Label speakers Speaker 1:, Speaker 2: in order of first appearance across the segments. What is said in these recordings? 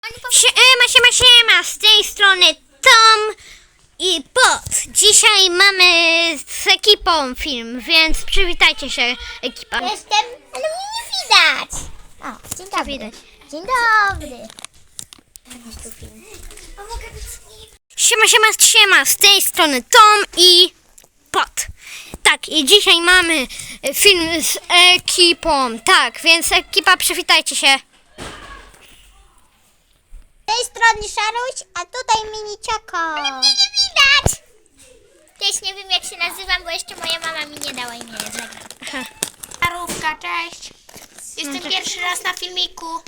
Speaker 1: Siema, z tej strony Tom i Bot. Dzisiaj mamy z ekipą film, więc przywitajcie się, ekipa.
Speaker 2: Jestem, ale mnie nie widać. O, dzień dobry.
Speaker 1: Widać.
Speaker 2: Dzień dobry. Jest tu film. A mogę być z nim?
Speaker 1: Siema, z tej strony Tom i Bot. Tak, i dzisiaj mamy film z ekipą, tak, więc ekipa, przywitajcie się.
Speaker 2: Z tej strony Szaruś, a tutaj Minicioko. Ale mnie nie widać. Też nie wiem, jak się nazywam, bo jeszcze moja mama mi nie dała imienia.
Speaker 3: Starówka, cześć. Jestem pierwszy raz na filmiku.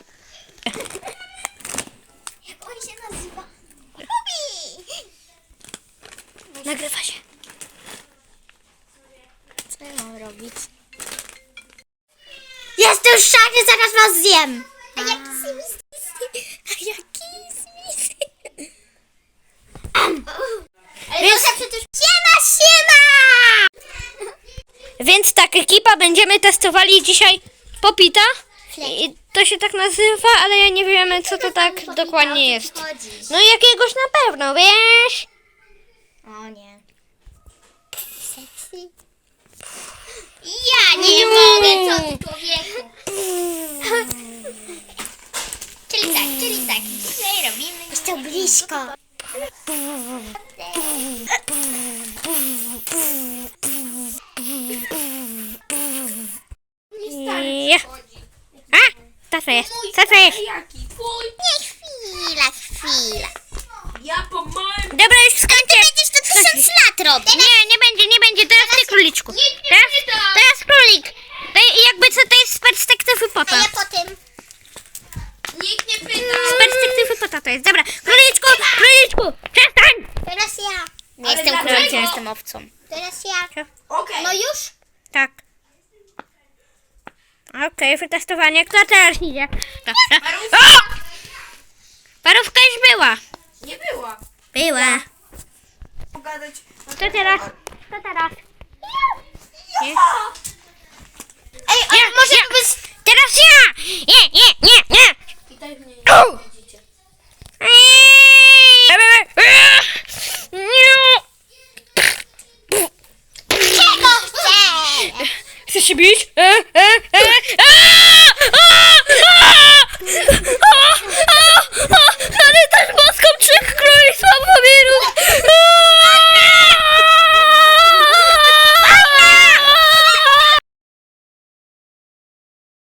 Speaker 2: Jak on się nazywa? Rubi.
Speaker 1: Nagrywa się.
Speaker 2: Co ja mam robić? Jestem szary, zaraz was zjem. A jaki zmisy? A jaki zmisy? Ale to przecież... Siema!
Speaker 1: Więc tak, ekipa, będziemy testowali dzisiaj popita. I to się tak nazywa, ale ja nie wiemy, co to tak dokładnie jest. No jakiegoś na pewno, wiesz?
Speaker 2: O nie. Seksy. Ja nie mogę, co ty, człowieku. Czyli tak. Dzisiaj robimy... Jest to blisko.
Speaker 1: Ja. A, co to jest? Co to jest?
Speaker 3: Jaki? Twój?
Speaker 2: Nie, chwila.
Speaker 3: Ja po moim...
Speaker 1: Dobra, już skończę.
Speaker 2: Będziesz to 1000 lat robić.
Speaker 1: Nie będzie. Teraz ty, króliczku.
Speaker 3: Nikt nie pyta.
Speaker 1: Teraz królik. Jakby co to jest z perspektywy
Speaker 2: A
Speaker 1: pota.
Speaker 2: ja potem...
Speaker 3: Nikt nie pyta.
Speaker 1: Z perspektywy pota to jest. Dobra, króliczku, przestań.
Speaker 2: Teraz ja.
Speaker 3: Nie jestem królikiem, jestem
Speaker 2: owcą. Teraz ja.
Speaker 3: Okej.
Speaker 2: No już?
Speaker 1: Tak. Okej, wytestowanie. Kto teraz idzie?
Speaker 3: Parówka.
Speaker 1: O! Parówka już była.
Speaker 3: Nie była.
Speaker 1: Była.
Speaker 3: Pogadać.
Speaker 1: Kto teraz? Nie?
Speaker 2: Ej, ale może
Speaker 1: ja.
Speaker 2: to być...
Speaker 1: Teraz ja! Nie.